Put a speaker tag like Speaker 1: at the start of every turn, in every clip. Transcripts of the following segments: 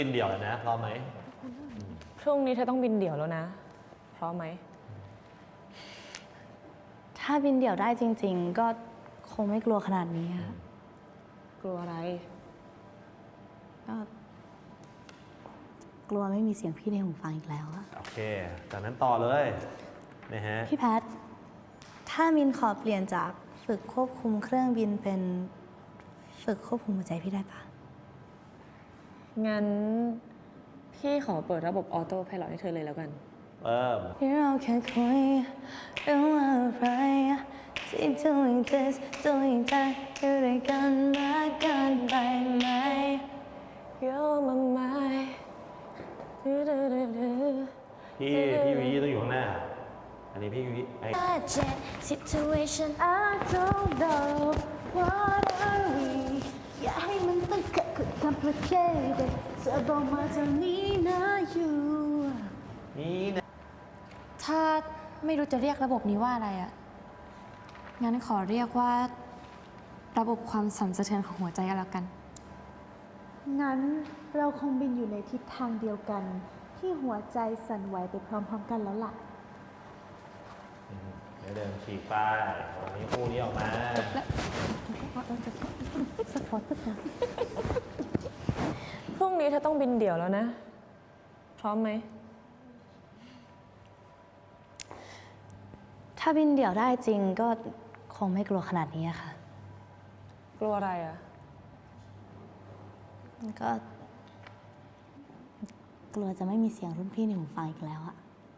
Speaker 1: บินเดี่ยวเลยนะพร้อมไหม
Speaker 2: พรุ่งนี้เธอต้องบินเดี่ยวแล้วนะพร้อมไหม
Speaker 3: ถ้าบินเดี่ยวได้จริงๆก็คงไม่กลัวขนาดนี้ค่ะ
Speaker 2: กลัวอะไร
Speaker 3: ก็กลัวไม่มีเสียงพี่ในหูฟังอีกแล้วอะ
Speaker 1: โอเคจากนั้นต่อเลยนะฮะ
Speaker 3: พี่แพทถ้ามินขอเปลี่ยนจากฝึกควบคุมเครื่องบินเป็นฝึกควบคุมหัวใจพี่ได้ปะ
Speaker 2: งั้นพี่ขอเปิดระบบออโต้ไพลอตให้เธอเลยแล้วกัน
Speaker 3: ที่เราแค่คุยเรื่องอะไรที่ doing this doing that อยู่ด้วยกันมากเกินไปไหม
Speaker 2: You're my mind
Speaker 1: พี่วีต้องอยู่ข้างหน้าอันนี้พี่วี
Speaker 3: situation I don't know what are we อย่าให้มันต้องเกิดขึ้น complicated เธอบอกมาทางนี้นะอยู่
Speaker 1: นี่นะ
Speaker 4: ถ้าไม่รู้จะเรียกระบบนี้ว่าอะไรอะงั้นขอเรียกว่าระบบความสั่นสะเทือนของหัวใจก็แล้วกัน
Speaker 5: งั้นเราคงบินอยู่ในทิศทางเดียวกัน ที่หัวใจสั่นไหวไปพร้อมๆกันแล้วล่ะ
Speaker 1: เดี๋ยวเดินฉีกไปวันนี้คู่นี้ออกมา
Speaker 2: พรุ่งนี้เธอต้องบินเดี่ยวแล้วนะพร้อมไหม
Speaker 3: ถ้าบินเดี่ยวได้จริงก็คงไม่กลัวขนาดนี้ค่ะ
Speaker 2: กลัวอะไรอ่ะ
Speaker 3: ก็กลัวจะไม่มีเสียงรุ่นพี่ในหูฟังอีกแล้วอะ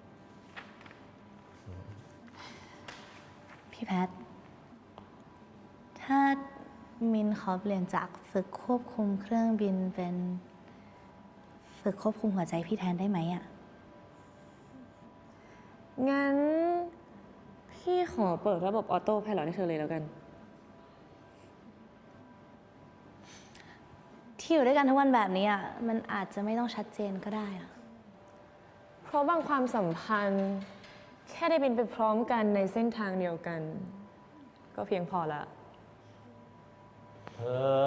Speaker 3: พี่แพทถ้ามินขอเปลี่ยนจากฝึกควบคุมเครื่องบินเป็นฝึกควบคุมหัวใจพี่แทนได้ไหมอะ
Speaker 2: งั้นพี่ขอเปิดระบบออโต้ไพลอตให้เธอเลยแล้วกัน
Speaker 3: ที่อยู่ด้วยกันทุกวันแบบนี้อะมันอาจจะไม่ต้องชัดเจนก็ได้อะ
Speaker 2: เพราะบางความสัมพันธ์แค่ได้บินไปพร้อมกันในเส้นทางเดียวกันก็เพียงพอละ